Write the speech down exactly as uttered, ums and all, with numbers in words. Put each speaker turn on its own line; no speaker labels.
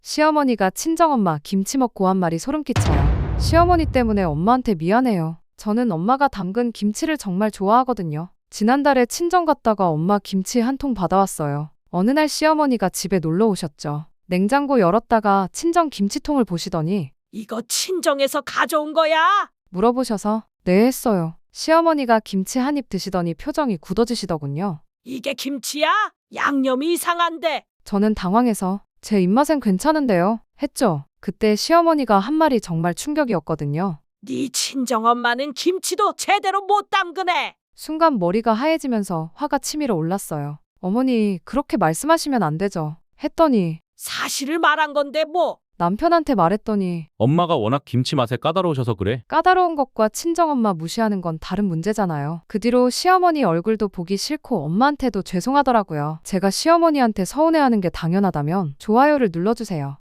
시어머니가 친정엄마 김치 먹고 한 말이 소름 끼쳐요. 시어머니 때문에 엄마한테 미안해요. 저는 엄마가 담근 김치를 정말 좋아하거든요. 지난달에 친정 갔다가 엄마 김치 한 통 받아왔어요. 어느 날 시어머니가 집에 놀러 오셨죠. 냉장고 열었다가 친정 김치통을 보시더니
이거 친정에서 가져온 거야?
물어보셔서 네 했어요. 시어머니가 김치 한 입 드시더니 표정이 굳어지시더군요.
이게 김치야? 양념이 이상한데.
저는 당황해서 제 입맛엔 괜찮은데요 했죠. 그때 시어머니가 한 말이 정말 충격이었거든요.
네 친정엄마는 김치도 제대로 못 담그네.
순간 머리가 하얘지면서 화가 치밀어 올랐어요. 어머니, 그렇게 말씀하시면 안 되죠. 했더니
사실을 말한 건데 뭐.
남편한테 말했더니
엄마가 워낙 김치 맛에 까다로우셔서 그래.
까다로운 것과 친정엄마 무시하는 건 다른 문제잖아요. 그 뒤로 시어머니 얼굴도 보기 싫고 엄마한테도 죄송하더라고요. 제가 시어머니한테 서운해하는 게 당연하다면 좋아요를 눌러주세요.